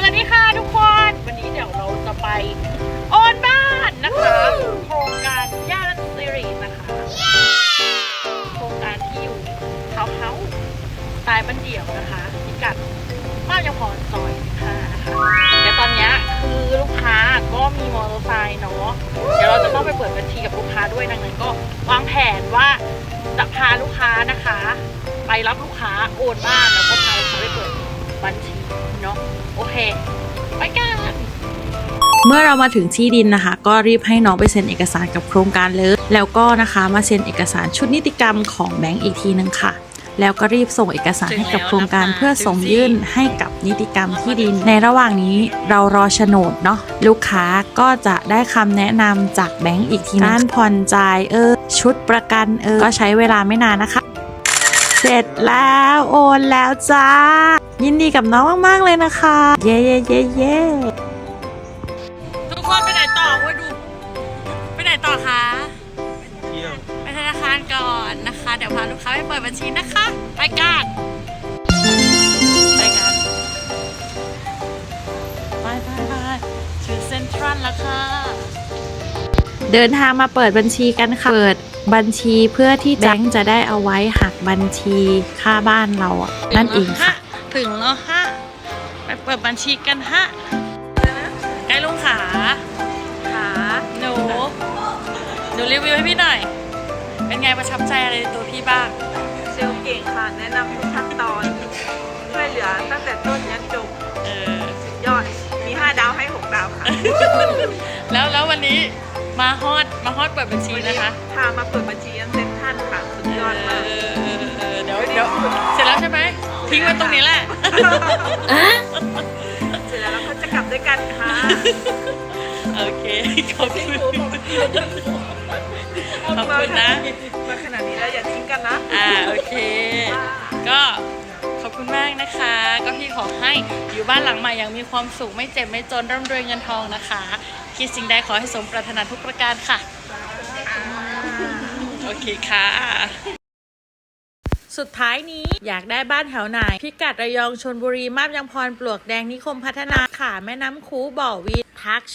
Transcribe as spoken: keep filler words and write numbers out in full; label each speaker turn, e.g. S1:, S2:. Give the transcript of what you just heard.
S1: วัสดีค่ะทุกคนวันนี้เดี๋ยวเราจะไปโอนบ้านนะคะโครงการย่านซีรีส์นะคะโครงการที่อยู่เฮาเฮาสไตล์บ้านเดี่ยวนะคะพิกัดบ้านยังพรซอยสิบห้านะคะเดี๋ยวตอนนี้คือลูกค้าก็มีมอเตอร์ไซค์เนาะเดี๋ยวเราจะต้องไปเปิดบัญชีกับลูกค้าด้วยดังนั้นก็วางแผนว่าจะพาลูกค้านะคะไปรับลูกค้าโอนบ้านแล้วก็พาลูกค้าไปเปิดบัญชีเนาะโอเคไปกัน
S2: เมื่อเรามาถึงที่ดินนะคะก็รีบให้น้องไปเซ็นเอกสารกับโครงการเลยแล้วก็นะคะมาเซ็นเอกสารชุดนิติกรรมของแบงก์อีกทีนึงค่ะแล้วก็รีบส่งเอกสารให้กับโครงการเพื่อส่งยื่นให้กับนิติกรรมที่ดินในระหว่างนี้เรารอโฉนดเนาะลูกค้าก็จะได้คำแนะนำจากแบงก์อีกทีการผ่อนจ่ายเออชุดประกันเออก็ใช้เวลาไม่นานนะคะเสร็จแล้วโอนแล้วจ้ายินดีกับน้องมากๆเลยนะคะเย้เย้เย้เย้
S1: ทุกคนไปไหนต่อวะดูไปไหนต่อคะ
S3: เที่ยว
S1: ไปธนาคารก่อนนะคะเดี๋ยวพาลูกค้าไปเปิดบัญชีนะคะไปกันไปกันไปไปไปถึงเซ็นทรัลแล้วค่ะ
S2: เดินทางมาเปิดบัญชีกันค่ะเปิดบัญชีเพื่อที่แบงก์จะได้เอาไว้หักบัญชีค่าบ้านเราอ่ะนั่นเองค่ะ
S1: ถึงแล้วฮะไปเปิดบัญชีกันฮะใกล้ลุงขาขาหนูหนูรีวิวให้พี่หน่อยเป็นไงประทับใจอะไรในตัวพี่บ้าง
S4: เซลล์เก่งค่ะแนะนำทุกขั้นตอนช่วยเหลือตั้งแต่ต้นยันจบ
S1: เออ
S4: สุดยอดมีห้าดาวให้หกดาวค่ะ
S1: แล้วแล้ววันนี้มาฮอดมาฮอดเปิดบัญชีนะคะ
S4: พามาเปิดบัญชียันเซ็นทรัลค่ะสุดยอดมาก
S1: เดี๋ยวเดี๋ยวเสร็จแล้วใช่ไหมทิ้งไว้ตรงนี้แหละ
S4: เสร็จแล้วเราก็จะกลับด้วยกันค่ะ
S1: โอเคขอบคุณขอบคุณนะ
S4: มาขนาดนี้แล้วอย่าทิ้งกันนะ
S1: อ่าโอเคก็ขอบคุณมากนะคะก็พี่ขอให้อยู่บ้านหลังใหม่อย่างมีความสุขไม่เจ็บไม่จนร่ำรวยเงินทองนะคะคิดสิ่งใดขอให้สมปรารถนาทุกประการค่ะโอเคค่ะสุดท้ายนี้อยากได้บ้านแถวไหนพิกัดระยองชลบุรีมาบยางพรปลวกแดงนิคมพัฒนาค่ะแม่น้ำคูบ่อวีทัก